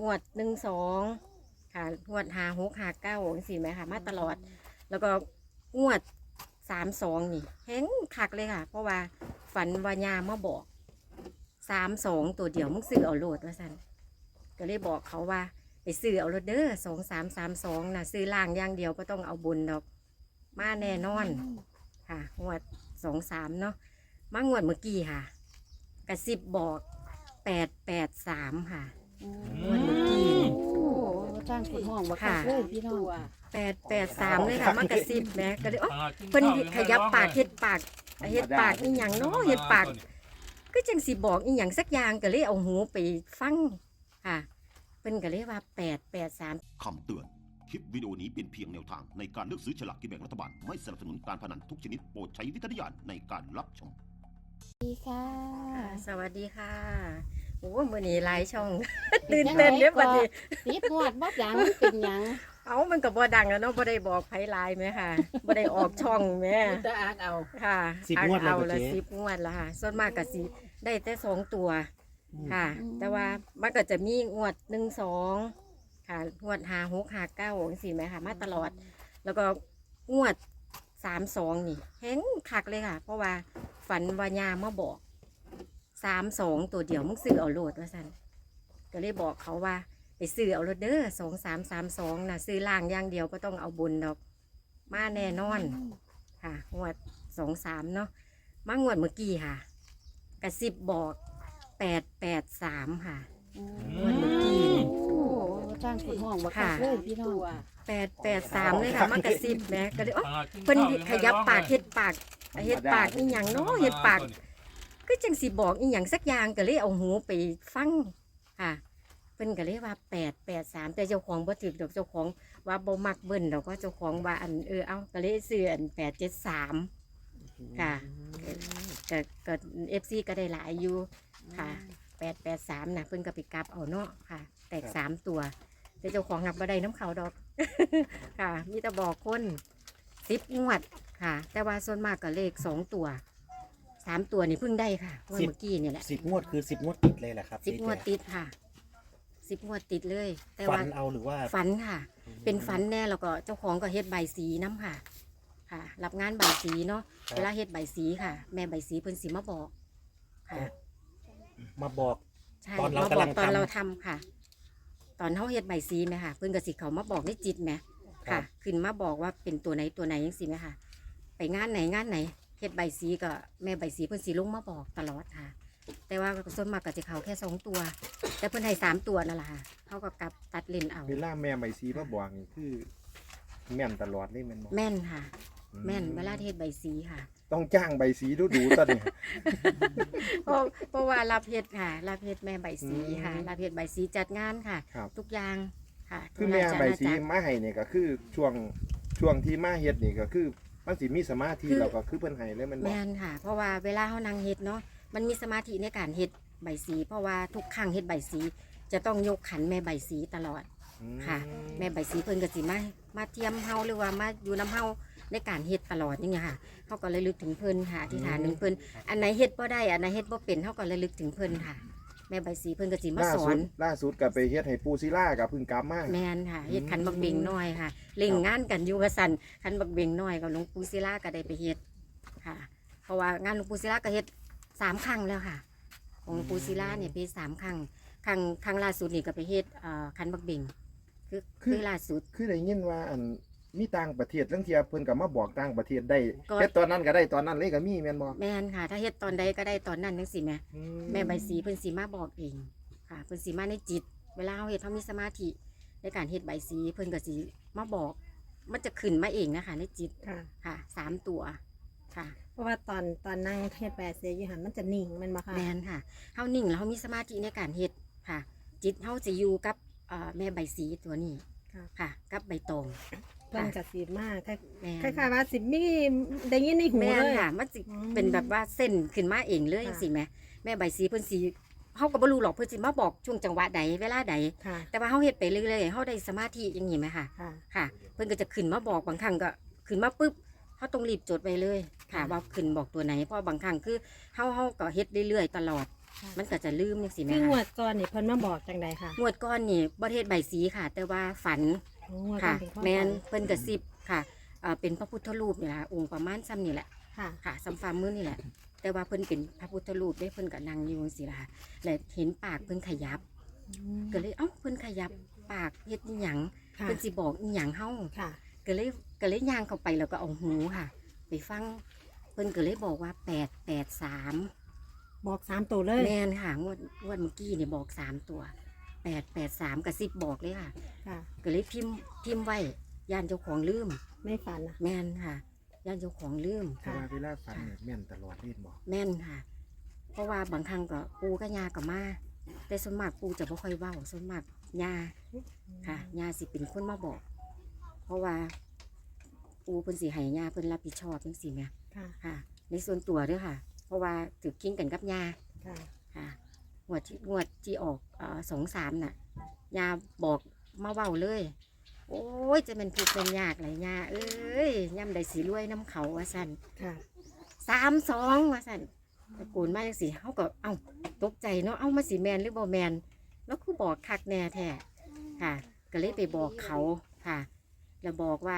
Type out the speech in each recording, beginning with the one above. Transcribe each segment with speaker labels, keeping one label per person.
Speaker 1: งวด12ค่ะงวด56 59จังซี่แหมค่ะมาตลอด แล้วก็งวด32นี่แฮงคักเลยค่ะ เพราะว่าฝันว่าย่ามาบอก32ตัวเดียวมึงซื้อเอาโลดว่าซั่นก็เลยบอกเขาว่าไปซื้อเอาโลดเด้อ2332น่ะซื้อล่างอย่างเดียวบ่ต้องเอาบนดอกมาแน่นอนค่ะงวด23เนาะมางวดเมื่อกี้ค่ะกระซิบบอก883ค่ะงวดเมื่อกี้นี่
Speaker 2: โอ้จ้างคุณห้องบ่ค่ะเลยพี่น้อง
Speaker 1: 883เลยค่ะมากระซิบแหมก็เลยเพิ่นขยับปากเฮ็ดปากอีหยังเนาะเฮ็ดปากก็จังสิบอกอีหยังสักอย่างก็เลยเอาหูไปฟังค่ะเพิ่นก็เลยว่า883
Speaker 3: คำเตือน คลิปวิดีโอนี้เป็นเพียงแนวทางในการเลือกซื้อฉลากกินแบ่งรัฐบาล ไม่สนับสนุนการพนันทุกชนิดโปรดใช้วิจารณญาณในการรับชม
Speaker 2: ดีค่ะ
Speaker 1: สวัสดีค่ะโอ้มื้อนี้หลายช่อง ตื่นเต้นเด้อบัดนี้
Speaker 2: ติดหวดบ่ดังเป็นหยัง
Speaker 1: เอามันก็บ่ดังแล้วเนาะบ่ได้บอกไผหลายแม่ค่ะบ่ได้ออกช่องแม่
Speaker 4: จะอ่านเอา
Speaker 1: ค่ะ
Speaker 5: 10 งวดแล้ว
Speaker 1: เอาละ
Speaker 5: เจ๊
Speaker 1: 10 งวดแล้วค่ะ ส่วนมากก็สิได้แต่2 ตัวค่ะ แต่ว่ามันก็จะมีงวด12ค่ะงวด56 59จังซี่แหมค่ะมาตลอด แล้วก็งวด32นี่แฮงคักเลยค่ะ เพราะว่าฝันว่าย่ามาบอก32ตัวเดียวมึงซื้อเอาโลดว่าซั่นก็เลยบอกเขาว่าไปซื้อเอาโลดเด้อ2332น่ะซื้อล่างอย่างเดียวบ่ต้องเอาบนดอกมาแน่นอน ค่ะงวด23เนาะมางวดเมื่อกี้ค่ะกระซิบบอก883ค่ะงวดเมื่อกี้นี่
Speaker 2: โอ้จ้างคุณห้องบ่ค่ะเลยพี่น้อง
Speaker 1: 883เลยค่ะมากระซิบแหมก็เลยเพิ่นขยับปากเฮ็ดปากอีหยังเนาะเฮ็ดปากก็จังสิบอกอีหยังสักอย่างก็เลยเอาหูไปฟังค่ะเพิ่นก็เลยว่า883แต่เจ้าของบ่ถูกดอกเจ้าของว่าบ่มักเบิ่นดอกก็เจ้าของว่าอันเอาก็เลยซื้ออัน873ค่ะก็ FC ก็ได้หลายอยู่ค่ะ883น่ะเพิ่นก็ไปกลับเอาเนาะค่ะ แตก3ตัวแต่เจ้าของหับบ่ได้น้ำเขาดอก ค่ะมีแต่บอกคน10 งวดค่ะ แต่ว่าส่วนมากก็เลข2 ตัว3 ตัวนี่เพิ่งได้ค่ะงวดเมื่อกี้นี่แหละ
Speaker 5: 10 งวดคือ 10 งวดติดเลยแหละครับ
Speaker 1: 10 งวดติดค่ะ10 งวดติดเลย แต่
Speaker 5: ฝั
Speaker 1: ว่าน
Speaker 5: เอาหรือว่า
Speaker 1: ฝันค่ะ เป็นฝันแน่แล้วก็เจ้าของก็เฮ็ดใบสีน้ำค่ะ ค่ะ รับงานใบสีเนาะเวลาเฮ็ดใบสีค่ะ แม่ใบสีเพิ่นสิมาบอกค่ะ
Speaker 5: มาบอก
Speaker 1: ใช่
Speaker 5: ตอนเรา
Speaker 1: มาบ
Speaker 5: กำ
Speaker 1: อ
Speaker 5: ลั
Speaker 1: ก
Speaker 5: ง
Speaker 1: ตอน
Speaker 5: ทำ
Speaker 1: เราทำค่ะ ตอนเขาเฮ็ดใบสีไหมค่ะเพิ่นก็สิเขามาบอกในจิตไหม
Speaker 5: ครั
Speaker 1: ค่ะ
Speaker 5: บ
Speaker 1: ขึ้นมาบอกว่าเป็นตัวไหนยังสิไหมค่ะ ไปงานไหนเฮ็ดใบสีก็แม่ใบสีเพิ่นสิลงมาบอกตลอดค่ะ แต่ว่าส่วนมากก็จะเขาแค่2 ตัว แต่เพิ่นให้3 ตัวนั่นแหละค่ะเขาก็กลับตัดเลนเอา
Speaker 6: เวลาแม่ใบซีมาบอกนี่คือแม่นตลอดเลยแม่นบ่
Speaker 1: แม่นค่ะ แม่นเวลาเฮ็ดใบสีค่ะ
Speaker 6: ต้องจ้างใบซีดูๆตอนนี้
Speaker 1: เพราะว่ารับเฮ็ดค่ะรับเฮ็ดแม่ใบสีค่ะ
Speaker 6: อืม
Speaker 1: รับเฮ็ดใบสีจัดงานค่ะ
Speaker 6: ครับ
Speaker 1: ทุกอย่างค่ะ
Speaker 6: คือแม่ใบซี
Speaker 1: ทุกราชอาณาจักร
Speaker 6: มาให้นี่ก็คือช่วงที่มาเฮ็ดนี่ก็คือมันสิมีสมาธิ
Speaker 1: คือ
Speaker 6: แล้วก็คือเพิ่นให้เลยแมันบ่
Speaker 1: แม่นค่ะ เพราะว่าเวลาเขานั่งเฮ็ดเนาะมันมีสมาธิในการเฮ็ดใบสี เพราะว่าทุกครั้งเฮ็ดใบสี จะต้องยกขันแม่ใบสีตลอด
Speaker 6: อืม
Speaker 1: ค่ะ แม่ใบสีเพิ่นก็สิมาเทียมเฮาหรือว่ามาอยู่น้ำเฮาในการเฮ็ดตลอดอย่างเงี้ยค่ะเฮาก็เลยลึกถึงเพิ่นค่ะอธิษฐานถึงเพิ่นอันไหนเฮ็ดบ่ได้อันไหนเฮ็ดบ่เป็นเฮาก็เลยลึกถึงเพิ่นค่ะ แม่ใบสีเพิ่นก็สิมา
Speaker 6: ล่า
Speaker 1: สอ
Speaker 6: สุ
Speaker 1: น
Speaker 6: ดล่าสุดก็ไปเฮ็ดให้ปูศิลาก็เพิ่งกลับมา
Speaker 1: แม่นค่ะเฮ็ดขันบักเบงน้อยค่ะเล่งงานกันอยู่ว่าซั่นขันบักเบงน้อยกับหลวงปู่ศิลาก็ได้ไปเฮ็ดค่ะ เพราะว่างานหลวงปู่ศิลาก็เฮ็ด3 ครั้งแล้วค่ะ ของหลวงปู่ศิลาเนี่ยไปเฮ็ด3 ครั้งครั้งล่าสุดนี่ก็ไปเฮ็ดขันบักเบงคือล่าสุด
Speaker 6: คือได้ยินว่าอันมีต่างประเทศลางเที่ยเพิ่นก็มาบอกต่างประเทศได้
Speaker 1: ก็
Speaker 6: เฮ็ดตอนนั้นก็ได้ตอนนั้นเลยก็มีแม่นบ่
Speaker 1: แม่นค่ะ ถ้าเฮ็ดตอนใดก็ได้ตอนนั้นจังซี่แหม
Speaker 6: อื
Speaker 1: แม่ใบสีเพิ่นสิมาบอกเองค่ะเพิ่นสิมาในจิต เวลาเฮาเฮ็ดเฮามีสมาธิในการเฮ็ดใบสีเพิ่นก็สิมาบอก มันจะขึ้นมาเองนะคะในจิต
Speaker 4: ค่ะ
Speaker 1: ค่ะ3 ตัวค่ะ
Speaker 4: เพราะว่าตอนนั่งเฮ็ดแปดเสียอยู่หันมันจะนิ่งแมันบ่ค่ะ
Speaker 1: แมนค่ะเฮานิ่งแล้วเฮามีสมาธิในการเฮ็ดค่ะ จิตเฮาจะอยู่กับแม่ใบสีตัวนี้
Speaker 4: ค่ะ
Speaker 1: ค่ะ กับใบตอง
Speaker 4: เพิ่นก็สิมาค
Speaker 1: แม่น
Speaker 4: ล้ายๆว่าสิมีได้ยินในหู
Speaker 1: แม่น
Speaker 4: เลย
Speaker 1: ค่ะมันสิ
Speaker 4: อืม
Speaker 1: เป็นแบบว่าเส้นขึ้นมาเองเลย
Speaker 4: ค่ะ
Speaker 1: สิแม่แม่ใบสีเพิ่นสิเฮาก็บ่รู้หรอกเพิ่นสิมาบอกช่วงจังหวะใดเวลาใด
Speaker 4: ค่ะ
Speaker 1: แต่ว่าเฮาเฮ็ดไปเรื่อยๆเฮาได้สมาธิอย่างนี้ไหมค่ะ
Speaker 4: ค่ะ
Speaker 1: ค่ะ เพิ่นก็จะขึ้นมาบอกบางครั้งก็ขึ้นมาปุ๊บเฮาต้องรีบจดไว้เลยค่ะ ว่าขึ้นบอกตัวไหนเพราะบางครั้งคือเฮาก็เฮ็ดเรื่อยๆตลอดมันก็จะลืมจังซี่แม่
Speaker 4: คืองว
Speaker 1: ค่ะ
Speaker 4: ดก่อนนี่เพิ่นมาบอกจังใดค่ะ
Speaker 1: งวดก้อนนี่บ่เทศใบสีค่ะ แต่ว่าฝัน
Speaker 4: งวด
Speaker 1: ค่ะ
Speaker 4: เป็นความ
Speaker 1: แม่น
Speaker 4: ฝัน
Speaker 1: เพิ่นกระซิบค่ะเป็นพระพุทธรูปนี่ล่ะองค์ประมาณซ้ำนี่แหละ
Speaker 4: ค่ะ
Speaker 1: ค่ะซ้ำฝ่ามือนี่แหละ แต่ว่าเพิ่นเป็นพระพุทธรูปได้เพิ่นก็นั่งอยู่จังซี่ล่ะค่ะและเห็นปากเพิ่นขยับ ก็เลยเอ้าเพิ่นขยับปากเฮ็ดอีหยัง
Speaker 4: ค่ะ
Speaker 1: เพิ่นสิบอกอีหยังเฮา
Speaker 4: ค่ะ
Speaker 1: ก็เลยย่างเข้าไปแล้วก็เอาหูค่ะ ไปฟังเพิ่นก็เลยบอกว่า883
Speaker 4: บอก3ตัวเลย
Speaker 1: แม่นค่ะงวดเมื่อกี้นี่บอก3ตัว883กับ10บอกเลยค่ะ
Speaker 4: ค่ะ
Speaker 1: ก็เลยพิมพ์ไว้ย่านเจ้าของลืม
Speaker 4: ไม่ฝันนะ
Speaker 1: แม่นค่ะย่านเจ้าของลืม
Speaker 6: แต่ว่าเวลาฝันเนี่ยแม่นตลอดเล่นบอก
Speaker 1: แม่นค่ะ เพราะว่าบางครั้งก็ปูกับยากับมาแต่ส่วนมากปูจะบ่ค่อยเว้าส่วนมากยาค่ะยาสิเป็นคนมาบอก เพราะว่าปูเพิ่นสิให้ยาเพิ่นรับผิดชอบจังซี่แหม
Speaker 4: ค่ะ
Speaker 1: ค่ะ ในส่วนตัวเด้อค่ะ เพราะว่าถือกิ้งกันกับยา
Speaker 4: ค่ะ
Speaker 1: ค่ะงวดที่ออก2-3น่ะยาบอกมาเว้าเลย โอ้ยจะเป็นทุกข์เป็นยากหลายยาเอ้ยย่ำได้สีรวยน้ำเขาว่าสั่น
Speaker 4: ค่ะ
Speaker 1: 32ว่าสั่นตะโกนมาจังสิเฮาก็เอ้าตกใจเนาะเอ้ามาสิแมนหรือบ่แมนแล้วคือบอกคักแน่แท้ค่ะ ก็เลยไปบอกเขาค่ะ แล้วบอกว่า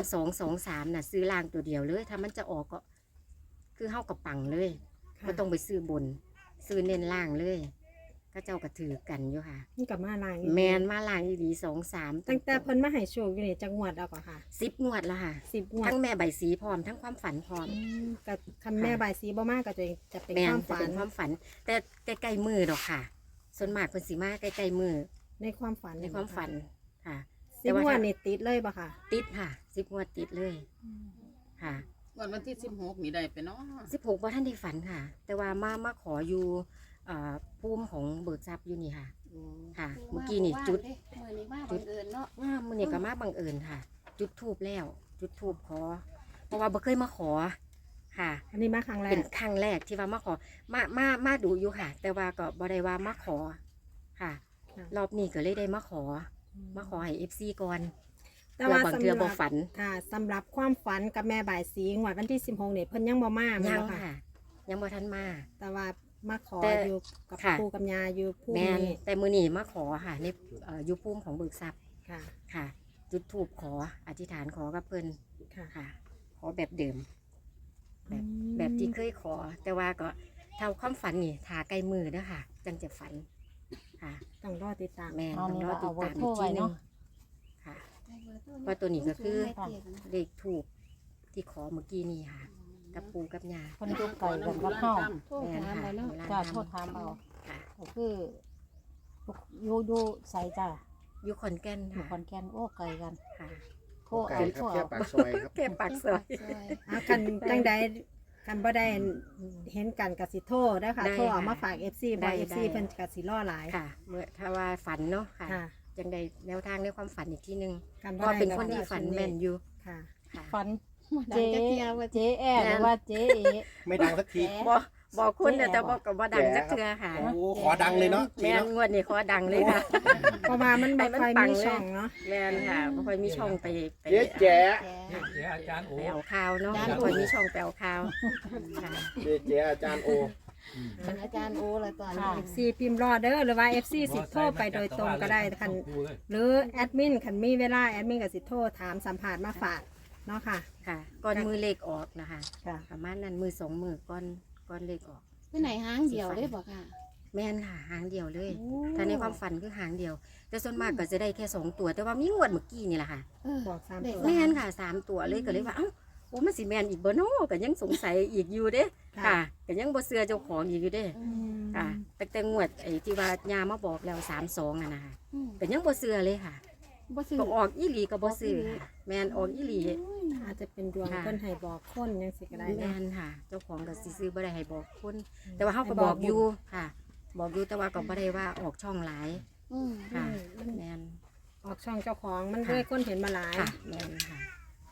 Speaker 1: 3223น่ะซื้อล่างตัวเดียวเลย ถ้ามันจะออกก็คือเฮากับปังเลย
Speaker 4: ค่ะ
Speaker 1: ก็ต้องไปซื้อบน ซื้อเน้นล่างเลยก็เจ้าก็ถือกันอยู่ค่ะ
Speaker 4: นี่กับมาลาง
Speaker 1: แมนมาล่างอีดี2-3
Speaker 4: ตั้งแต่เพิ่นมาให้โชคอยู่นี่จังหวัดเอาก่อนค่ะ
Speaker 1: 10 งวดแล้วค่ะ
Speaker 4: 10งวด
Speaker 1: ทั้งแม่ใบสีพร้อมทั้งความฝันพร้อม
Speaker 4: กับคันแม่บายสีบ่มากก็จะเป็น
Speaker 1: แม่
Speaker 4: คน วาม
Speaker 1: จะ
Speaker 4: ฝั
Speaker 1: เป็น นความฝัน แต่ใกล้ๆมือดอกค่ะ ส่วนมากเพิ่นสิมาใกล้ๆมือ
Speaker 4: ในความฝัน
Speaker 1: ในความฝันค่ะ
Speaker 4: 10งวดนี่ติดเลยป่ะค่ะ
Speaker 1: ติดค่ะ10 งวดติดเลยค่ะ
Speaker 7: วันที่16นี่ได้ไปเนาะ
Speaker 1: 16บ่ท่านได้ฝันค่ะ แต่ว่ามาขออยู่ภูมิของเบิกทรัพย์อยู่นี่ค่ะ ค่ะ เมื่อกี้นี่จุด
Speaker 2: มื้อนี้มาบังเอิญเนาะ
Speaker 1: มื้อนี้ก็มาบังเอิญค่ะ จุดธูปแล้ว จุดธูปขอ เพราะว่าบ่เคยมาขอค่ะ
Speaker 4: อันนี้มาครั้งแร
Speaker 1: เป็
Speaker 4: ก
Speaker 1: นครั้งแรกที่ว่ามาขอมาดูอยู่ค่ะ แต่ว่าก็บ่ได้ว่ามาขอค่ะ รอบนี้ก็เลยได้มาขอให้ FC ก่อน
Speaker 4: แต่
Speaker 1: เพื่อ
Speaker 4: ว่า
Speaker 1: บาง
Speaker 4: สำ
Speaker 1: เทื่อ
Speaker 4: ห
Speaker 1: บ่
Speaker 4: รับ
Speaker 1: ฝัน
Speaker 4: ค่ะสำหรับความฝันกับแม่บายสีงวดวันที่16นี่เพิ่นยังบ่มาแม่
Speaker 1: ยั
Speaker 4: น
Speaker 1: ง
Speaker 4: บ่ค่ะ
Speaker 1: ค่ะ ยังบ่ทันมา
Speaker 4: แต่ว่ามาขอ
Speaker 1: แต่
Speaker 4: อยู่กับ
Speaker 1: ค่ะ
Speaker 4: ปู่กับย่าอยู่ภูมิ
Speaker 1: แม่น
Speaker 4: นี่
Speaker 1: แต่มื้อนี้มาขอค่ะในอยู่ภูมิของเบิกทรัพย์
Speaker 4: ค่ะ
Speaker 1: ค่ะ จุดธูปขออธิษฐานขอกับเพิ่น
Speaker 4: ค่ะ
Speaker 1: ค่ะ ขอแบบเดิม แบบที่เคยขอ แต่ว่าก็เท่าความฝันนี่ถ้าใกล้มือเด้อค่ะ จังจะฝันค่ะ
Speaker 4: ต้องรอติดตาม
Speaker 1: แม่น
Speaker 2: เอา
Speaker 1: ต้อง
Speaker 2: นี่
Speaker 1: รอ
Speaker 2: เรา
Speaker 1: ติ
Speaker 2: เอา
Speaker 1: ด
Speaker 2: ไว้
Speaker 1: ตาม
Speaker 2: โทร
Speaker 1: อีกทีหนึ
Speaker 2: ไว้เนาะ
Speaker 1: งค่ะ เพราะตัวนี้ก็คือ เลขถูกที่ขอเมื่อกี้นี่ค่ะ กับปูกับยา
Speaker 2: เพิ่นอยู่ไกลกันกับเฮา
Speaker 7: โทษถามไปเนาะ
Speaker 2: จ้าโทษถามเอา
Speaker 1: ค่ะ
Speaker 2: ก็คืออยู่ไสจ้า
Speaker 1: อยู่ขอนแก่น
Speaker 2: อยู่
Speaker 1: ค่ะ
Speaker 2: ขอนแก่นโอ้ไกลกัน
Speaker 1: ค่ะ
Speaker 2: โทร
Speaker 6: ไกล
Speaker 2: เอา
Speaker 6: ครับ
Speaker 2: โทร
Speaker 6: แค่
Speaker 2: เอา
Speaker 6: ปากซอยครับ
Speaker 1: แค่ปากซอย
Speaker 4: กันจังใดกันบ่ได้เห็นกันกับสิโทรได้อค่ะ
Speaker 1: ได้
Speaker 4: โทรเอา
Speaker 1: ค่ะ
Speaker 4: มาฝาก FC บ่
Speaker 1: ได้
Speaker 4: FC เพิ่นก็สิรอหลาย
Speaker 1: ค่ะ เมื่อถ้าว่าฝันเนาะค่ะ
Speaker 4: ค่ะ
Speaker 1: จังใดแนวทางในความฝันอีกที่หนึ่ง
Speaker 4: กัน
Speaker 1: ก็เป็นคนที่ฝันแม่นอยู่
Speaker 4: ค่ะ
Speaker 1: ค่ะ
Speaker 2: ฝัน
Speaker 7: เจ๊
Speaker 2: เจ๊แอหรือว่าเจ๊เอ
Speaker 6: ไม่ดังสักที
Speaker 1: บอกคุณเนี่ยแต่บอกกับว่าดังจักเทือค่ะ
Speaker 6: โอ้ขอดังเลยเนาะ
Speaker 1: แม่นงวดนี้ขอดังเลยค่ะ
Speaker 4: เพราะว่ามันบ่
Speaker 1: ให้มัน
Speaker 4: ค่อย
Speaker 1: ปัง
Speaker 4: มี
Speaker 1: เลย
Speaker 4: ช่องเนาะ
Speaker 1: แม่นค่ะบ่ค่อยมีช่องไป
Speaker 6: เจ๊แจ๋
Speaker 7: เจ๊อาจารย์โอ้
Speaker 1: ไปเอาข่าวเนาะบ่ค่อยมีช่องไปเอาข่าวค่ะ
Speaker 6: เจ๊แจ๋อาจารย์โอ
Speaker 2: เป็นอาจารย์โอเลยตอนนี้
Speaker 4: FC พิมพ์รอเด้อหรือว่า FC สิโทรไปโดยตรงก็ได้คันหรือแอดมินคันมีเวลาแอดมินก็สิโทรถามสัมภาษณ์มาฝากเนาะค่ะ
Speaker 1: ค่ะก่อนมือเลขออกนะคะ
Speaker 4: ค่ะ
Speaker 1: ประมาณนั้นมือ2มือก่อนเลขออก
Speaker 2: ไปไหนห้างเดียวได้บ่ค่ะ
Speaker 1: แม่นค่ะหางเดียวเลยถ้าในความฝันคือหางเดียว แต่ส่วนมากก็จะได้แค่2ตัว แต่ว่ามีงวดเมื่อกี้นี่แหละค่ะ
Speaker 4: บอก3
Speaker 2: เด็ก
Speaker 4: ตัว
Speaker 1: แม่นค่ะ3ตัวเลยก็เลยว่าเอ้าโอ้มันสิแม่นอีกบ่เนาะก็ยังสงสัยอีกอยู่เด้ค่ะก็ยังบ่เชื่อเจ้าของอีกอยู่เด้ค่ะแต่งวดไอ้ที่ว่ายามาบอกแล้ว32น่ะนะคะก็ยังบ่เชื่อเลยค่ะ
Speaker 2: บ่ซื้อ
Speaker 1: ก็ออกอีหลีก็บ่ซื้อค่ะแม่นออกอีหลี
Speaker 4: อาจจะเป็นดวง
Speaker 1: ค่ะ
Speaker 4: เพิ่นให้บอกคนจังสิก็ได้
Speaker 1: แม่
Speaker 4: เนาะ
Speaker 1: นค่ะ เจ้าของก็สิซื้อบ่ได้ให้บอกคนแต่ว่าเฮาก็บอกอยู่ค่ะ บอกอยู่แต่ว่าก็บ่ได้ว่าออกช่องหลายค่ะแม่น
Speaker 4: ออกช่องเจ้าของมัน
Speaker 1: ค่ะ
Speaker 4: ด้วยคนเห็นมาหลาย
Speaker 1: ค่ะแม่นค่ะ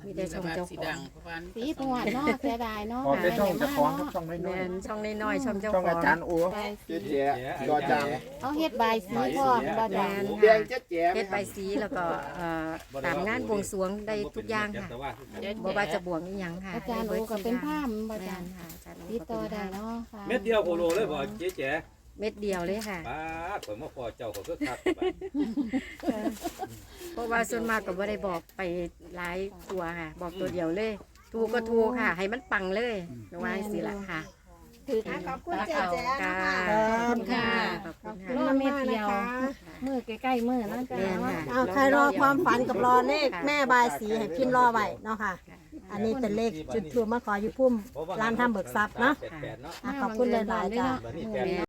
Speaker 1: มีแต่ช่องเจ้า
Speaker 7: สี
Speaker 1: ขอ
Speaker 7: ดั
Speaker 1: ง
Speaker 7: งเพราะว่า
Speaker 2: สีตวดเนาะเสียดายเนาะ
Speaker 6: ออกแต่ช่องเจะคล้าของครับช่อง
Speaker 1: แม
Speaker 6: น้อย
Speaker 1: นช่องน้อยๆช่องเจ้า
Speaker 6: ๆช่อง
Speaker 1: ขอ
Speaker 6: อาง จารย์โอเจ๊แจ๋จอจาง
Speaker 2: เอาเฮ็ดใบายสีก่อนบ่
Speaker 1: แม
Speaker 2: จ้ะ
Speaker 1: น
Speaker 6: แด
Speaker 1: ค่ะ
Speaker 6: งเจ๊แจ๋
Speaker 1: เฮ็ดใบสีแล้วก็ตามงานบวงสรวงได้ทุกอย่างค่ะบ่ว่าจะบวงอีหยังค่ะ
Speaker 2: อาจารย์โอก็เป็นผ้าบ่
Speaker 1: แม
Speaker 2: จ้ะ
Speaker 1: นค่ะอาจารย์โอ
Speaker 2: ติด
Speaker 1: ก็
Speaker 2: ต่อ
Speaker 1: เป็น
Speaker 2: ได้
Speaker 1: ผ้า
Speaker 2: เนาะค่ะ
Speaker 8: เม็ดเดียวโคโลเลยบ่เจ๊แจ๋
Speaker 1: เม็ดเดียวเลยค่ะ
Speaker 8: ป้าข่อยมาพอเจ้าก็คือคัก
Speaker 1: เพราะว่าส่วนมากก็บ่ได้บอกไปหลายตัวค่ะ บอกตัวเดียวเลย ถูกก็ถูกค่ะ ให้มันปังเลยนว่าสิล่ะค่ะ
Speaker 2: ถือ
Speaker 4: ขอบคุณเจ๊แจ๊
Speaker 1: ค่ะ
Speaker 4: นะคะ
Speaker 1: ขอบคุณค่ะขอบคุณค่ะ
Speaker 2: รอเม็ดเดียวมือใกล้ๆมือเนาะจ้ะ
Speaker 1: แม่นค่ะ
Speaker 4: เอาใครรอความฝันกับรอเลขแม่บายสีให้พิมพ์รอไว้เนาะค่ะ อันนี้เป็นเลขจุดทูปมาขออยู่พุ่มร้านทำเบิกทรัพย์เนาะ
Speaker 8: 88เนาะ
Speaker 4: ขอบคุณหลายๆจ้ะ
Speaker 8: บัดนี้